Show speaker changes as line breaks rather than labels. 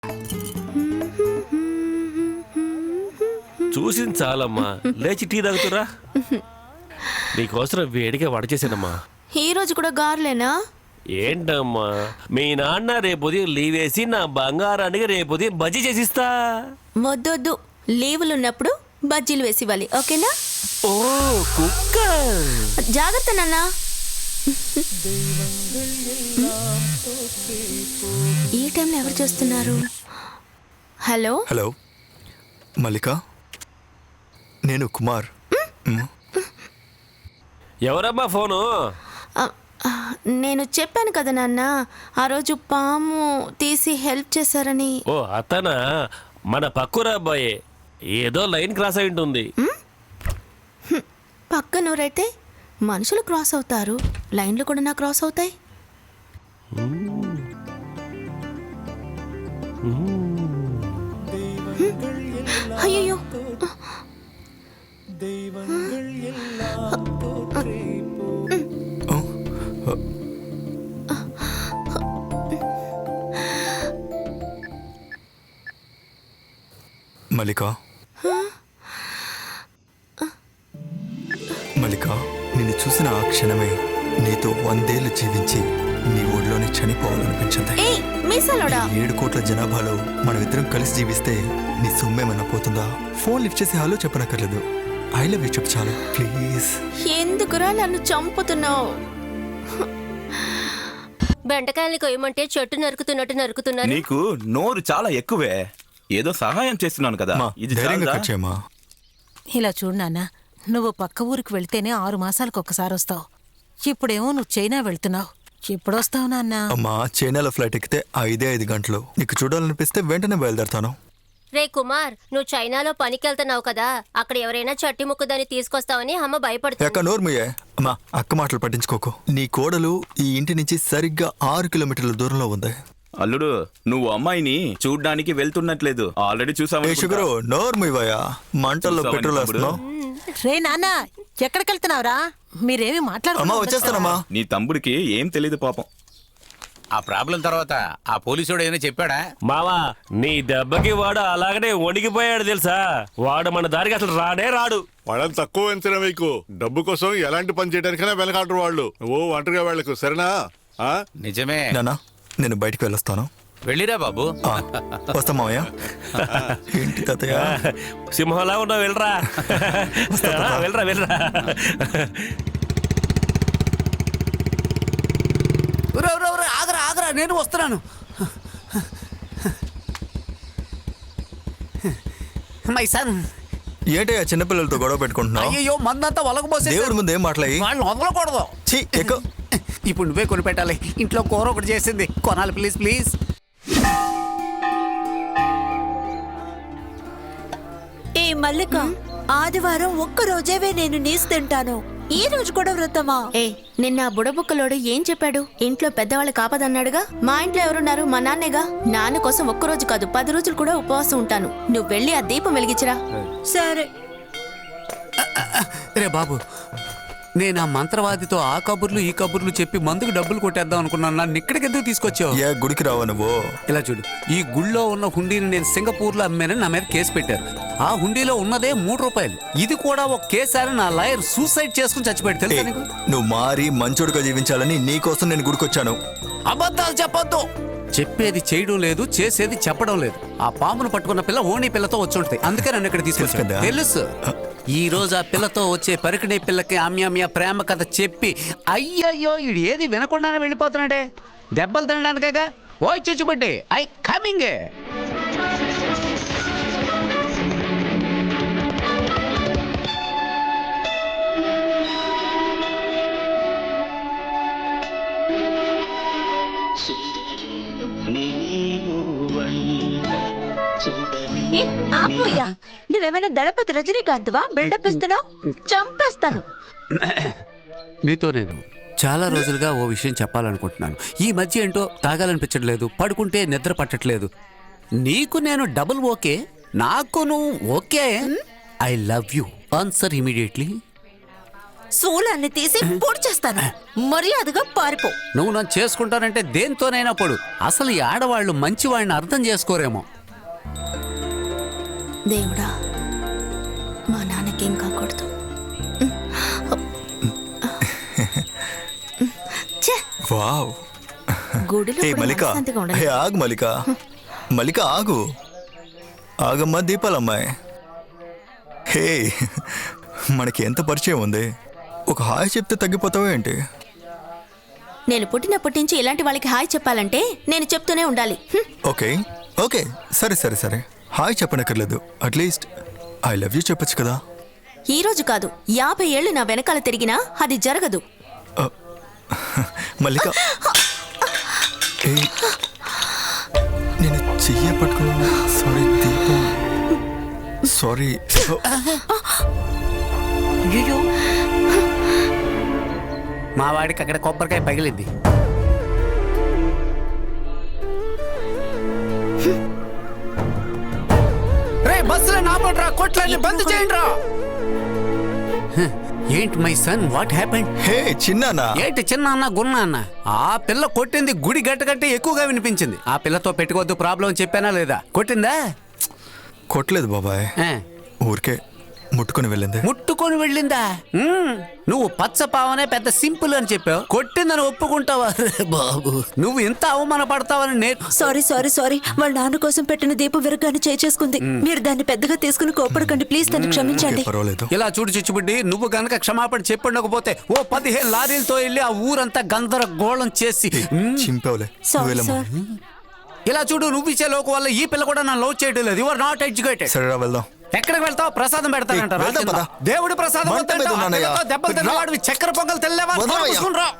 చూసింది చాలమ్మా, లేచి టీ తాగుతురా. నీకోసం వేడిగా వడ చేశానమ్మా.
ఈ రోజు కూడా గారులేనా?
ఏంటమ్మా, మీ నాన్న రేపు లీవ్ వేసి నా బంగారానికి రేపు బజ్జీ చేసిస్తా.
వద్దొద్దు, లీవులు ఉన్నప్పుడు బజ్జీలు వేసి ఇవ్వాలి, ఓకేనా?
ఓ కుక్క,
జాగ్రత్త నాన్న. ఈ టైంలో ఎవరు చూస్తున్నారు? హలో
హలో మల్లిక, నేను కుమార్.
ఎవరమ్మా ఫోను?
నేను చెప్పాను కదా నాన్న, ఆ రోజు పాము తీసి హెల్ప్ చేశారని.
ఓ అతనా? మన పక్కురా అబ్బాయే, ఏదో లైన్ క్రాస్ అయి ఉంటుంది.
పక్కనూరైతే మనుషులు క్రాస్ అవుతారు, లైన్లు కూడా నా క్రాస్ అవుతాయి. అయ్యో,
మల్లిక, మల్లిక, నిన్ను చూసిన ఆ క్షణమే నీతో 100 ఏళ్ళు జీవించి నీ ఊళ్ళోనే చనిపోవాలనిపించింది. 7 కోట్ల జనాభాలో మనమిద్దరం కలిసి జీవిస్తే నీ సొమ్మేమన్నా పోతుందా? ఫోన్ లిఫ్ట్ చేసి హలో చెప్పనక్కర్లేదు, ఐ లవ్ యూ చెప్పు చాలు ప్లీజ్.
ఎందుకురా నన్ను చంపుతున్నావు?
బెండకాయల్ని కొయ్యమంటే చెట్టు నరుకుతున్నట్టు నరుకుతున్నారు.
నీకు నోరు చాలా ఎక్కువే. ఏదో సహాయం చేస్తున్నాను కదా, ఇది
ధైర్యంగా కట్ చేయమ్మా.
ఇలా చూడు నాన్న, నువ్వు పక్క ఊరికి వెళ్తేనే 6 మాసాలకు ఒక్కసారి వస్తావు. ఇప్పుడేమో నువ్వు చైనా వెళ్తున్నావు. ఎప్పుడొస్తావు నాన్న?
అమ్మా, చైనాలో ఫ్లైట్ ఎక్కితే 5 గంటలు. నీకు చూడాలనిపిస్తే వెంటనే బయలుదేరతాను.
రే కుమార్, నువ్వు చైనాలో పనికెళ్తున్నావు కదా, అక్కడ ఎవరైనా చట్టి ముక్కుదాన్ని తీసుకొస్తావని అమ్మ భయపడుతుంది.
ఎక్క నోర్మయ్యే అమ్మా, అక్క మాటలు పట్టించుకోకు. నీ కోడలు ఈ ఇంటి నుంచి సరిగ్గా 6 కిలోమీటర్ల దూరంలో ఉంది.
అల్లుడు, నువ్వు అమ్మాయిని చూడ్డానికి వెళ్తున్నట్లేదు, ఆల్రెడీ చూసావు.
షుగరు నోర్మయ్యా, మంటల్లో పెట్రోల్ వేస్తున్నావు.
రే నాన్న, ఎక్కడికెళ్తున్నావురా? మీరేమి
అమ్మా
మాట్లాడుతున్నా?
వచ్చేస్తానమ్మా.
నీ తమ్ముడికి ఏం తెలీదు పాపం.
ఆ ప్రాబ్లం తర్వాత ఆ పోలీసుడు ఏమైనా చెప్పాడా?
మావా, నీ దెబ్బకి వాడు అలాగనే వణికిపోయాడు తెలుసా. వాడు మన దారికి అసలు రానే రాడు.
వాళ్ళని తక్కువ అంచనా మీకు. డబ్బు కోసం ఎలాంటి పని చేయడానికైనా వెనకాడరు వాళ్ళు. ఓ ఒంటరిగా వెళ్ళకు, సరేనా?
నిజమే.
నానా, నేను బయటికి వెళ్ళొస్తాను.
వెళ్ళిరా బాబు.
వస్తా మావయ్య. ఏంటి తాతయ్య
సింహంలా ఉన్నావు, వెళ్ళరా. వెళ్ళరా వెళ్ళరా.
ఆగరా ఆగరా, నేను వస్తున్నాను. My son.
ఏంటయ్యా చిన్నపిల్లలతో గొడవ పెట్టుకుంటున్నావు?
అయ్యో, మందంతా ఒలకపోసే.
దేవుడి ముందు ఏం మాట్లాడి
వాళ్ళని వదలకూడదు. ఇప్పుడు నువ్వే కొని పెట్టాలి. ఇంట్లో కూర ఒకటి చేసింది, కొనాలి ప్లీజ్ ప్లీజ్.
ఏ మల్లిక, ఆదివారం ఒక్క రోజేవే నేను నీసు తింటాను. ఈ రోజు కూడా వ్రతమా?
ఏ, నిన్న ఆ బుడబుక్కలోడు ఏం చెప్పాడు? ఇంట్లో పెద్దవాళ్ళు కాపదన్నాడుగా. మా ఇంట్లో ఎవరున్నారు? మా నాన్నేగా. నాన్న కోసం ఒక్కరోజు కాదు 10 రోజులు కూడా ఉపవాసం ఉంటాను. నువ్వు వెళ్ళి ఆ దీపం వెలిగించరా.
సరే.
రే బాబు, నేను ఆ మంత్రవాదితో ఆ కబుర్లు ఈ కబుర్లు చెప్పి మందుకు డబ్బులు కొట్టేద్దాం అనుకున్నాను. నన్ను ఇక్కడికి ఎందుకు తీసుకొచ్చావు?
ఏ గుడికి రావా నువ్వు?
ఇలా చూడు, ఈ గుళ్ళో ఉన్న హుండీని నేను సింగపూర్లో అమ్మానని నా మీద కేసు పెట్టారు. ఆ హుండీలో ఉన్నదే 3 రూపాయలు. ఇది కూడా ఒక కేసు అని నా లాయర్ సూసైడ్ చేసుకుని చచ్చిపోయాడు, తెలుసా నీకు?
నువ్వు మారి మంచోడుగా జీవించాలని నీకోసం నేను గుడికొచ్చాను.
అబద్ధాలు చెప్పొద్దు. చెప్పేది చేయడం లేదు, చేసేది చెప్పడం లేదు. ఆ పామును పట్టుకున్న పిల్ల ఓణి పిల్లతో వచ్చి ఉంటుంది, అందుకే నన్ను ఇక్కడ తీసుకొచ్చాను. తెలుసు. ఈ రోజు ఆ పిల్లతో వచ్చే పరికిణీ పిల్లకి ఆమ్యామ్య ప్రేమ కథ చెప్పి, అయ్యయ్యో ఇది ఏది వినకుండానే వెళ్ళిపోతున్నాడే, దెబ్బలు తినడానికేగా. ఓ చూచుబట్టి ఐ కమింగ్.
నువ్వేమైనా దళపతి రజనీకాంత్వా? బిల్డప్ ఇస్తున్నావు, చంపేస్తాను.
నీతో నేను చాలా రోజులుగా ఓ విషయం చెప్పాలనుకుంటున్నాను. ఈ మధ్య ఏంటో తాగాలనిపించట్లేదు, పడుకుంటే నిద్ర పట్టట్లేదు. నీకు నేను డబుల్ ఓకే, నాకు నువ్వు okay. I love you. Answer immediately.
శూలాన్ని తీసి పొడి చేస్తాను. మర్యాదగా పారిపో.
నువ్వు నన్ను చేసుకుంటానంటే దేంతోనైనా పడు. అసలు ఈ ఆడవాళ్ళు మంచివాడిని అర్థం చేసుకోరేమో.
దేవుడా, మా నాన్నకేం కాకూడదు. ఛే,
వావ్.
గుడిలో
ఏ
కూడా
మల్లిక,
మనశ్శాంతిగా
ఏ
ఉండదు.
ఆగు మల్లిక, మల్లిక ఆగు. ఆగమ్మా దీపాలమ్మాయి. హే, మనకి ఎంత పరిచయం ఉంది. ఒక హాయ్ చెప్తే తగ్గిపోతావా ఏంటి?
నేను పుట్టినప్పటి నుంచి ఇలాంటి వాళ్ళకి హాయ్ చెప్పాలంటే నేను చెప్తూనే ఉండాలి.
ఓకే ఓకే, సరే సరే సరే, హాయ్ చెప్పనక్కర్లేదు. అట్లీస్ట్ ఐ లవ్ యూ చెప్పొచ్చు కదా.
ఈ రోజు కాదు, 50 ఏళ్ళు నా వెనకాల తిరిగినా అది జరగదు.
మల్లిక, ఏ, నేను చెయ్య పట్టుకున్నాను. సారీ దీపం, సారీ.
మా వాడికి అక్కడ కొబ్బరికాయ పగిలింది. రే బస్సులో నాపడరా, కొట్లని బంద్ చేయండి రా. ఏంటి my son, what happened?
Hey చిన్నానా.
ఏంటి చిన్న అన్న గున్న అన్న? ఆ పిల్ల కొట్టింది గుడి గట్ట కంటే ఎక్కువగా వినిపించింది. ఆ పిల్లతో పెట్టుకోవద్దు ప్రాబ్లం చెప్పానా లేదా? కొట్టిందా?
కొట్టలేదు బాబాయ్,
ఆ,
ఊరికే ముట్టుకొని వెళ్ళింది.
ముట్టుకొని వెళ్ళిందా? నువ్వు పచ్చపావనే పెద్ద సింపుల్ అని చెప్పావు, కొట్టిందని ఒప్పుకుంటావా? రే బాబు, నువ్వు ఇంత అవమానపడతావని నేను.
Sorry sorry sorry. వాళ్ళ నాన్న కోసం పెట్టిన దీపం విరగాన్ని చేసుకుంది. మీరు దాన్ని పెద్దగా తీసుకుని కోపడకండి ప్లీజ్. దాన్ని క్షమించండి.
పర్వాలేదు.
ఇలా చూడు చిచ్చుబుడ్డి, నువ్వు గనక క్షమాపణ చెప్పుండకపోతే ఓ 15 లారీలతో వెళ్ళి ఆ ఊరంతా గందరగోళం చేసి
చింపావులే.
Sorry sir.
ఇలా చూడు, నువ్వు ఇచ్చే లోకు వల్ల ఈ పిల్ల కూడా నన్ను లవ్ చేయడం లేదు. You are not educated.
సరేరా వెళ్దాం.
ఎక్కడికి వెళ్తావు? ప్రసాదం పెడతానంటారా?
వెళ్దాం పద.
దేవుడి ప్రసాదం
మంట మీద
వద్దంటావా?
ఉన్నానయ్యా.
పిల్లతో దెబ్బలు తిన్నవాడివి చక్కెర పొంగల్ తెల్లేవా?
వదలవయ్యా.